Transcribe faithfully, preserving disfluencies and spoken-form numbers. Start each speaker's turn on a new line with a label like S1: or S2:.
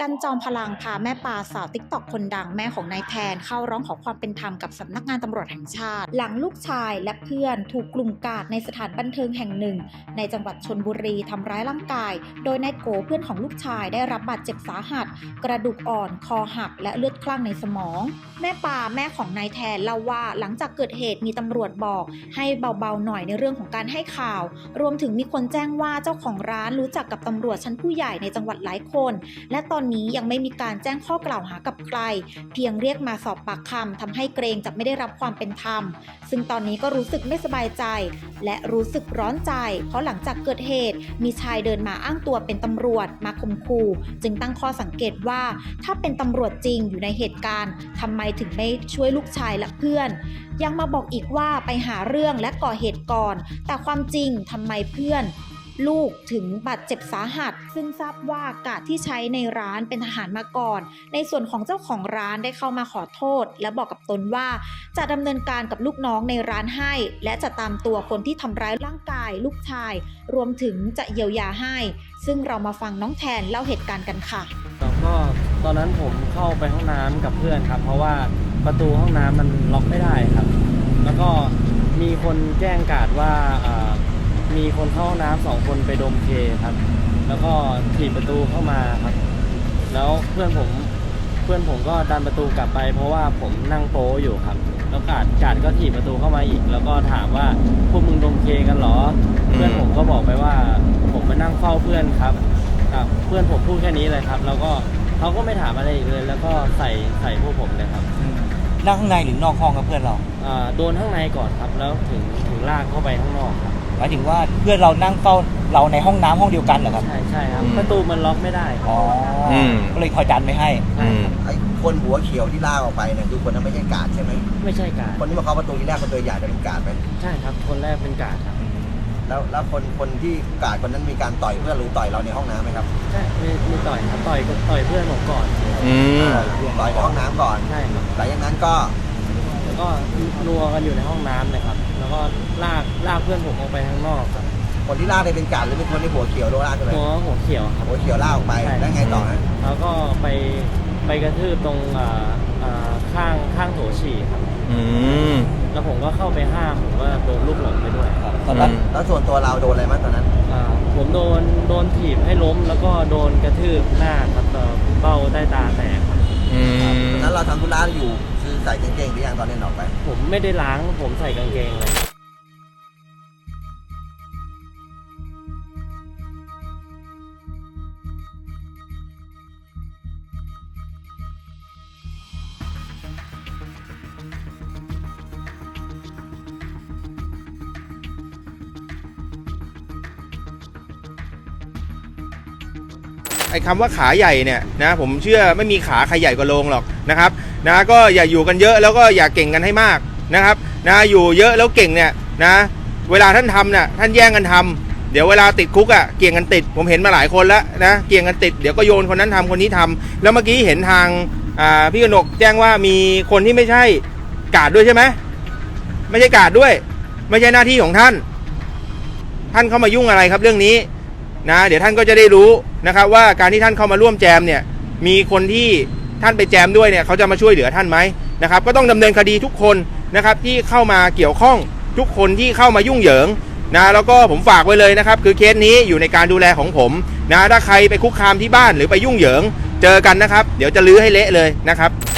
S1: กันจอมพลังพาแม่ปลาสาวติ๊กต็อกคนดังแม่ของนายแทนเข้าร้องขอความเป็นธรรมกับสำนักงานตำรวจแห่งชาติหลังลูกชายและเพื่อนถูกกลุ่มกาดในสถานบันเทิงแห่งหนึ่งในจังหวัดชลบุรีทำร้ายร่างกายโดยนายโกเพื่อนของลูกชายได้รับบาดเจ็บสาหัสกระดูกอ่อนคอหักและเลือดคลั่งในสมองแม่ปลาแม่ของนายแทนเล่าว่าหลังจากเกิดเหตุมีตำรวจบอกให้เบาๆหน่อยในเรื่องของการให้ข่าวรวมถึงมีคนแจ้งว่าเจ้าของร้านรู้จักกับตำรวจชั้นผู้ใหญ่ในจังหวัดหลายคนและตอนนี้ยังไม่มีการแจ้งข้อกล่าวหากับใครเพียงเรียกมาสอบปากคำทำให้เกรงจะไม่ได้รับความเป็นธรรมซึ่งตอนนี้ก็รู้สึกไม่สบายใจและรู้สึกร้อนใจเพราะหลังจากเกิดเหตุมีชายเดินมาอ้างตัวเป็นตำรวจมาข่มขู่จึงตั้งข้อสังเกตว่าถ้าเป็นตำรวจจริงอยู่ในเหตุการณ์ทำไมถึงไม่ช่วยลูกชายและเพื่อนยังมาบอกอีกว่าไปหาเรื่องและก่อเหตุก่อนแต่ความจริงทำไมเพื่อนลูกถึงบาดเจ็บสาหัสซึ่งทราบว่ากาดที่ใช้ในร้านเป็นทหารมาก่อนในส่วนของเจ้าของร้านได้เข้ามาขอโทษและบอกกับตนว่าจะดำเนินการกับลูกน้องในร้านให้และจะตามตัวคนที่ทำร้ายร่างกายลูกชายรวมถึงจะเยียวยาให้ซึ่งเรามาฟังน้องแทนเล่าเหตุการณ์กันค่ะ
S2: ก็ตอนนั้นผมเข้าไปห้องน้ำกับเพื่อนครับเพราะว่าประตูห้องน้ำมันล็อกไม่ได้ครับแล้วก็มีคนแจ้งกาดว่ามีคนเข้าห้องน้ำสองคนไปดมเคครับแล้วก็ถีบประตูเข้ามาครับแล้วเพื่อนผมเพื่อนผมก็ดันประตูกลับไปเพราะว่าผมนั่งโป๊อยู่ครับแล้วกาดกาดก็ถีบประตูเข้ามาอีกแล้วก็ถามว่าพวกมึงดมเคกันเหรอเพื่อนผมก็บอกไปว่าผมไปนั่งเฝ้าเพื่อนครับเพื่อนผมพูดแค่นี้เลยครับแล้วก็เขาก็ไม่ถามอะไรอีกเลยแล้วก็ใส่ใส่พวกผมเลยครับ
S3: นั่งข้างในหรือนอกห้องกับเพื่อนเรา
S2: โดนข้างในก่อนครับแล้วถึงถึงลากเข้าไปข้างนอกครับ
S3: หมายถึงว่าเพื่อนเรานั่งเฝ้าเราในห้องน้ำห้องเดียวกันเหรอครับ
S2: ใช่ใช่ครับประตูมันล็อกไม่ได้
S3: อ๋อก็เลยคอยดันไม่ให้
S4: ไอ้คนหัวเขียวที่ลากออกไปเนี่ยคือคนนั้นไม่ใช่กาดใช่ไหม
S2: ไม่ใช่กาด
S4: คนที่มาเคาะประตูที่แรกคนตัวใหญ่จะเป็นกาดไหม
S2: ใช่ครับคนแรกเป็นกาดครับ
S4: แล้วแล้วคนคนที่กาดคนนั้นมีการต่อยเพื่อนหรือต่อยเราในห้องน้ำไหมครับ
S2: ใช่มีมีต่อยครับต่อยต่อยเพื่อนผมก่อน
S4: อืมต่อยในห้องน้ำก่อน
S2: ใช่ครับ
S4: หลังจากนั้นก็
S2: แล้วก็นัวกันอยู่ในห้องน้ำเลยครับแล้วก็ลากลากเพื่อนผมออกไปข้างนอกครับ
S4: คนที่ลากเป็นกาดหรือเป็นคนที่หัวเขียวโดนลากกันเลย
S2: หัวหัวเขียวครับ
S4: หัวเขียวลากออกไปแล้วไงต่อฮะ
S2: แล้วก็ไปไปกระทืบตรงข้างข้างโถฉี่ครับแล้วผมก็เข้าไปห้ามผมก็โดนลูกหลงไปด้วยครับ
S4: ตอนนั้นแล้วส่วนตัวเราโดนอะไรบ้างตอนนั้น
S2: ผมโดนโดนถีบให้ล้มแล้วก็โดนกระทืบหน้าครับเบ้าใต้ตาแตก
S4: ตอนนั้นเราทำธุระอยู่คือใส่กางเกงหรือยังตอนเล่นออกไป
S2: ผมไม่ได้ล้างผมใส่กางเกงเลย
S5: ไอ้คำว่าขาใหญ่เนี่ยนะผมเชื่อไม่มีขาใครใหญ่กว่าโลงหรอกนะครับนะก็อย่าอยู่กันเยอะแล้วก็อย่าเก่งกันให้มากนะครับนะอยู่เยอะแล้วเก่งเนี่ยนะเวลาท่านทำเนี่ยท่านแย่งกันทำเดี๋ยวเวลาติดคุกอ่ะเกี่ยงกันติดผมเห็นมาหลายคนแล้วนะเกี่ยงกันติดเดี๋ยวก็โยนคนนั้นทำคนนี้ทำแล้วเมื่อกี้เห็นทางพี่กนกแจ้งว่ามีคนที่ไม่ใช่กาดด้วยใช่ไหมไม่ใช่กาดด้วยไม่ใช่หน้าที่ของท่านท่านเข้ามายุ่งอะไรครับเรื่องนี้นะเดี๋ยวท่านก็จะได้รู้นะครับว่าการที่ท่านเข้ามาร่วมแจมเนี่ยมีคนที่ท่านไปแจมด้วยเนี่ยเขาจะมาช่วยเหลือท่านไหมนะครับก็ต้องดำเนินคดีทุกคนนะครับที่เข้ามาเกี่ยวข้องทุกคนที่เข้ามายุ่งเหยิงนะแล้วก็ผมฝากไว้เลยนะครับคือเคสนี้อยู่ในการดูแลของผมนะถ้าใครไปคุกคามที่บ้านหรือไปยุ่งเหยิงเจอกันนะครับเดี๋ยวจะลื้อให้เละเลยนะครับ